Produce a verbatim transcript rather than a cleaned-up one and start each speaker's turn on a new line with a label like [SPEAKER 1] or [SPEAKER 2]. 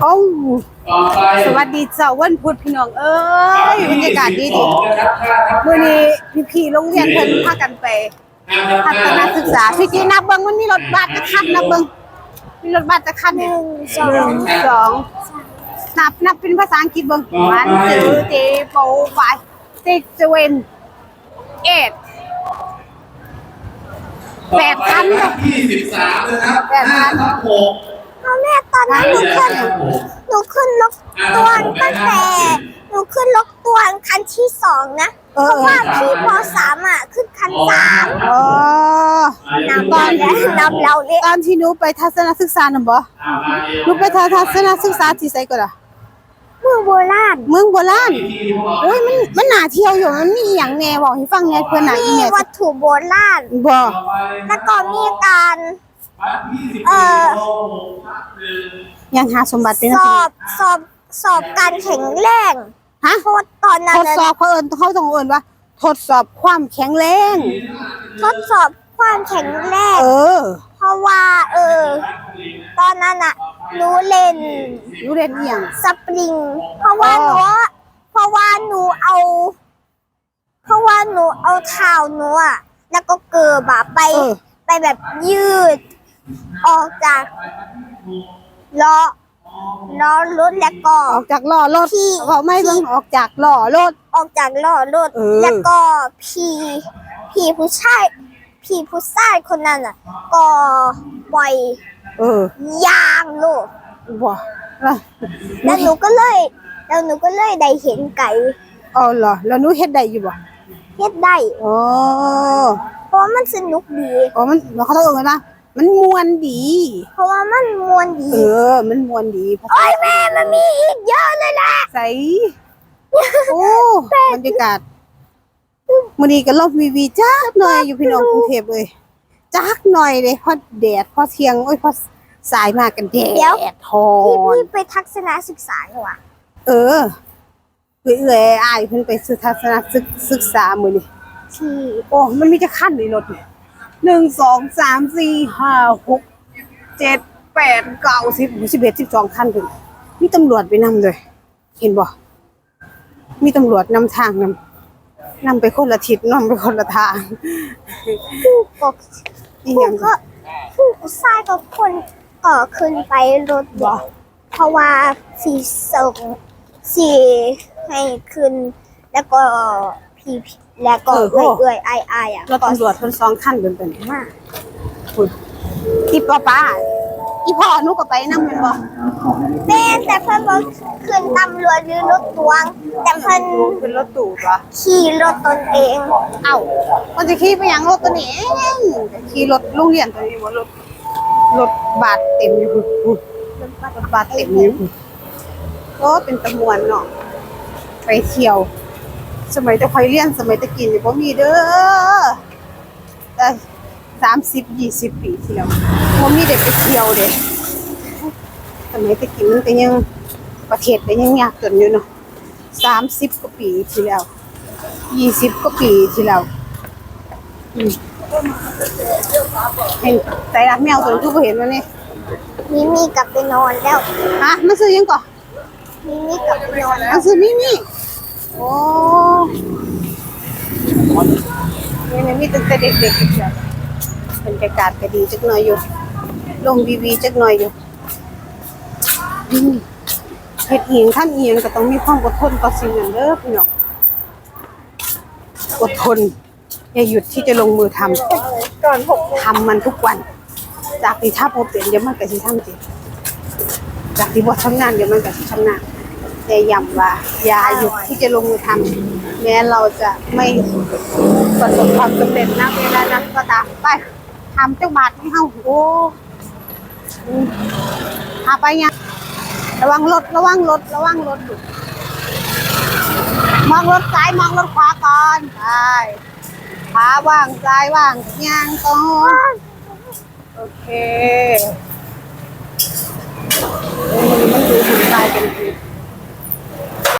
[SPEAKER 1] โอ้สวัสดีเจ้าวันพุธพี่น้องเอ้ยบรรยากาศดีดีมื้อนี้พี่ๆโรงเรียนเพิ่นพากันไปพัฒนาศึกษาพี่จีนับเบิ่งมันมีรถบัสจะคันนับเบิ่งมีรถบัสจะคันหนึ่งสองสองนับนับเป็นภาษาอังกฤษเบิ่ง one two three four five six seven eight แปดคัน
[SPEAKER 2] ยี่สิบสามนะครับแปดคันหก
[SPEAKER 3] พ่อแม่ตอนนั้นหนูขึ้นหนูขึ้นรถตัวตั้งแต่หนูขึ้นรถตัวคันที่สองนะเพราะว่าพี่ปสามอ่ะขึ้นคันสาม
[SPEAKER 1] อ๋อน
[SPEAKER 3] ำตอนนั้นนำเราเลย
[SPEAKER 1] ตอนที่หนูไปทัศนศึกษาน่ะบ่หนูไปทัศนศึกษาที่ไสก็ล่ะ
[SPEAKER 3] เมืองโบราณ
[SPEAKER 1] เมืองโบราณโอ้ยมันมันน่าเที่ยวอยู่มันมีหยังแน่บอกให้ฟังแน่เพิ่นน่ะอี
[SPEAKER 3] แม่
[SPEAKER 1] มี
[SPEAKER 3] วัตถุโบราณ
[SPEAKER 1] บ่
[SPEAKER 3] แล้วก็มีการเอ่อ
[SPEAKER 1] ยังหาสมบัติเป็น
[SPEAKER 3] สอบสอบสอบการแข็งแรง
[SPEAKER 1] ฮะ
[SPEAKER 3] โทษตอนนั้น
[SPEAKER 1] ทดสอบเขาเอิ้นเขาต้องเอิ้นว่าทดสอบความแข็งแรง
[SPEAKER 3] ทดสอบความแข็งแรง
[SPEAKER 1] เออ
[SPEAKER 3] เพราะว่าเออตอนนั้นอะหนูเล่น
[SPEAKER 1] หนูเล่นอีหยัง
[SPEAKER 3] สปริงเพราะว่าหนูเพราะว่าหนูเอาเพราะว่าหนูเอาเท้าหนูอะแล้วก็เกิบอะไปไปแบบยืดออกจากล้อล้อรถแล้วก็
[SPEAKER 1] ออกจากล้อรถเขาไม่ต้องออกจากล้อรถ
[SPEAKER 3] ออกจากล้อรถแล้วก็พี่พี่ผู้ชายพี่ผู้ชายคนนั้นอ่ะก็ปล่อย
[SPEAKER 1] เออย
[SPEAKER 3] างโลด
[SPEAKER 1] บ่
[SPEAKER 3] แล้วหนูก็เลยแล้วหนูก็เลยได้เห็นไก่
[SPEAKER 1] อ๋อเหรอแล้วหนูเฮ็ดได้อยู่บ่
[SPEAKER 3] เฮ็ดได้
[SPEAKER 1] อ๋อ
[SPEAKER 3] เพราะมันสนุกดี
[SPEAKER 1] อ๋อมันเขาต้องเอิ้นว่ามันม่วนดี
[SPEAKER 3] เพราะว่ามันม่วนดี
[SPEAKER 1] เออมันม่วนดี
[SPEAKER 3] โอ้ยแม่มันมีอีกเยอะเลยล่ะ
[SPEAKER 1] ใส่โอ้บรรยากาศมื้อนี้ก็ลบวีวีจักหน่อยอยู่พี่น้องกรุงเทพเอ้ยจักหน่อยเลยพอแดดพอเที่ยงโอ้ยพอสายมากันแดดทอ
[SPEAKER 3] พี่พี่ไปทัศนศึกษาเหรอวะ
[SPEAKER 1] เออเอื้อยๆอ้ายเพิ่นไปศึกทัศนศึกษามื้อนี้
[SPEAKER 3] ที่
[SPEAKER 1] โอ้มันมีแต่คันในรถนี่หนึ่ง สอง สาม สี่ ห้า หก เจ็ด แปด เก้า สิบ สิบเอ็ด สิบสองคันพุ่นมีตำรวจไปนำด้วยเห็นบ่มีตำรวจนำทางนำนำไปคนละทิศนำไปคนละทาง
[SPEAKER 3] ผู้ปกผู้ก็ผู้ชายกับคนก็ขึ้นไปรถบ่เพราะว่าสีส่งสีให้ขึ้นแล้วก็พี่แล้วก็เอื่อยๆอายๆอ่ะ
[SPEAKER 1] รถตำรวจคนสองคันเป็นๆมาพุ่นอีป้าป้าอีพ่อหนูก็ไปนำแม่นบ่
[SPEAKER 3] แม่แต่เพิ่นบ่ขึ้นตำรวจหรือรถตวงแต่เพิ่น
[SPEAKER 1] เป็นรถตู้บ่
[SPEAKER 3] ขี่รถตนเอง
[SPEAKER 1] เอ้ามันจะขี่ไปหยังรถตัวนี้เองขี่รถโรงเรียนตัวนี้บ่รถรถบัสเต็มอยู่พุ่นรถบัสเต็มอยู่พุ่นก็เป็นตะมวนเนาะไปเที่ยวสมัยตะคอยเรียนสมัยตะกินบ่มีเด้อแต่สามสิบ ยี่สิบปีที่แล้วบ่มีได้ไปเที่ยวเด้สมัยตะกินมันก็ยังประเทศก็ยังยากจนอยู่เนาะสามสิบกว่าปีที่แล้วยี่สิบกว่าปีที่แล้วอืมเห็นใจรักแมวตัวนี้ทุกคนเห็นมั้ยนี่
[SPEAKER 3] มีมีกลับไปนอนแล้ว
[SPEAKER 1] ฮะมันซื้อยังก่อน
[SPEAKER 3] มีมีกลับไปนอนแล้ว
[SPEAKER 1] มันซื้อมีมีโอ้นี่มีตั้งแต่เด็กๆอีกแล้วบรรยากาศก็ดีจักหน่อยอยู่ลงวีวีจักหน่อยอยู่เฮ็ดเองทำเองก็ต้องมีความอดทนต่อสิ่งนั้นเด้อพี่น้องอดทนอย่าหยุดที่จะลงมือทำ
[SPEAKER 3] ก่อนหก
[SPEAKER 1] ทำมันทุกวันจากที่ถ้าบ่เป็นเดี๋ยวมันก็สิทำจริงจากที่บ่ชำนาญเดี๋ยวมันก็สิชำนาญแต่ย้ำว่าอย่าหยุดที่จะลงมือทำแม้เราจะไม่ประสบความสำเร็จณเวลานั้นก็ตามไปทำจังบาทให้เฮาโอ้หาไปยังระวังรถระวังรถระวังรถมองรถซ้ายมองรถขวาก่อนไปขาว่างซ้ายว่างย่างก่อนโอเคมันดูหุ่นตายกัน